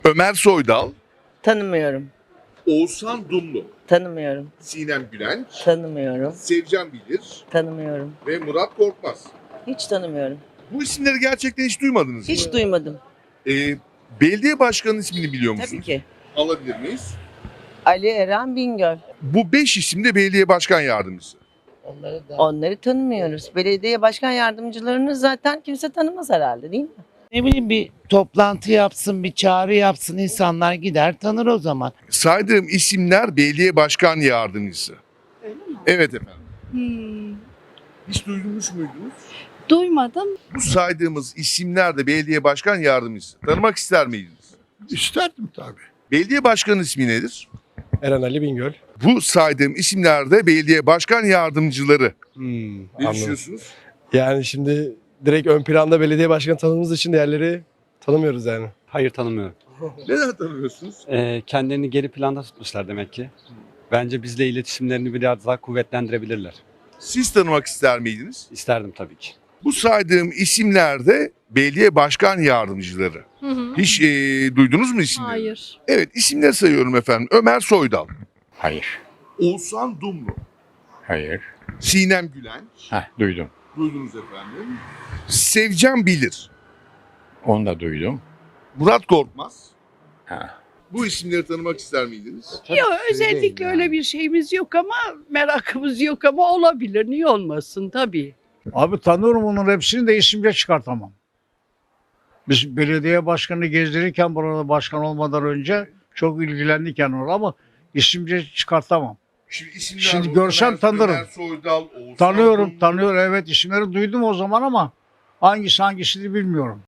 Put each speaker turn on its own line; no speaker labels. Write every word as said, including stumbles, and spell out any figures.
Ömer Soydal,
Tanımıyorum.
Oğuzhan Dumlu,
Tanımıyorum.
Sinem Gülenç,
Tanımıyorum.
Sevcan Bilir
Tanımıyorum.
ve Murat Korkmaz.
Hiç tanımıyorum.
Bu isimleri gerçekten hiç duymadınız mı?
Hiç duymadım.
Ee, belediye başkanının ismini biliyor musunuz?
Tabii ki.
Alabilir miyiz?
Ali Eren Bingöl.
Bu beş isim de belediye başkan yardımcısı.
Onları tanımıyoruz. Belediye başkan yardımcılarını zaten kimse tanımaz herhalde, değil mi?
Ne bileyim bir toplantı yapsın, bir çağrı yapsın, insanlar gider tanır o zaman.
Saydığım isimler belediye başkan yardımcısı. Evet efendim.
Hmm,
Hiç duymuş muydunuz?
duymadım.
Bu saydığımız isimler de belediye başkan yardımcısı. Tanımak ister miydiniz?
İsterdim tabii.
Belediye başkanının ismi nedir?
Eren Ali Bingöl.
Bu saydığım isimler de belediye başkan yardımcıları.
Hmm,
Ne
anladım.
düşünüyorsunuz?
Yani şimdi direkt ön planda belediye başkanı tanıdığımız için diğerleri tanımıyoruz yani.
Hayır, tanımıyorum.
Neden tanımıyorsunuz?
Ee, kendilerini geri planda tutmuşlar demek ki. Bence bizle iletişimlerini biraz daha kuvvetlendirebilirler.
Siz tanımak ister miydiniz?
İsterdim tabii ki.
Bu saydığım isimler de belediye başkan yardımcıları.
Hı hı.
Hiç e, duydunuz mu isimleri?
Hayır.
Evet, isimleri sayıyorum efendim. Ömer Soydal,
Hayır.
Oğuzhan Dumlu,
Hayır.
Sinem Gülenç,
Heh, duydum.
duydunuz efendim. Sevcan Bilir,
Onu da duydum.
Murat Korkmaz.
Ha.
Bu isimleri tanımak ister miydiniz?
Yok, özellikle öyle bir şeyimiz yok ama merakımız yok ama olabilir. Niye olmasın tabii.
Abi tanıyorum onun hepsini de isimce çıkartamam. Biz belediye başkanı gezdirirken burada başkan olmadan önce çok ilgilendik yani orada ama isimce çıkartamam.
Şimdi, isimler
Şimdi
bu.
görsem
Ömer-
tanırım.
Ömer Soydal, Oğuzhan
Tanıyorum,
Dumlu.
tanıyorum evet isimleri duydum o zaman ama hangisi hangisini bilmiyorum.